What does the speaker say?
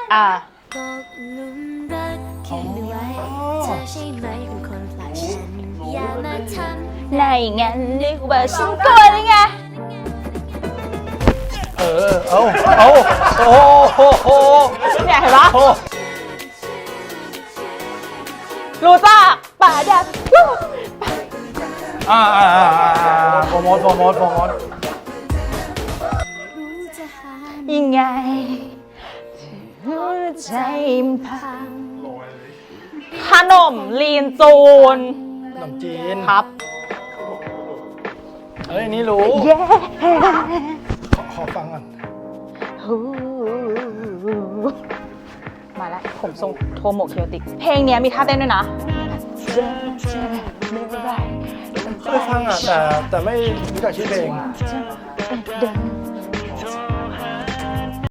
ตกหลุมรักขึ้นไว้เธอใช่ไหมเป็นคนผลักฉันอย่ามาทำในงั้นนึกว่าฉันกลัวได้ไงโอ้โหเนี่ยเห็นปะรู้จักป่าดับโปรโมทรู้จะหายังไงหัวใจมันพังขนมลีนจูนขนมจีนครับเอ้ยนี่รู้เย้ขอฟังก่อนมาแล้วผมทรงโทโมเคียวติก เพลงเนี้ยมีท่าเต้นด้วยนะเคยฟังแต่ไม่รู้จักชื่อเพลงเดิน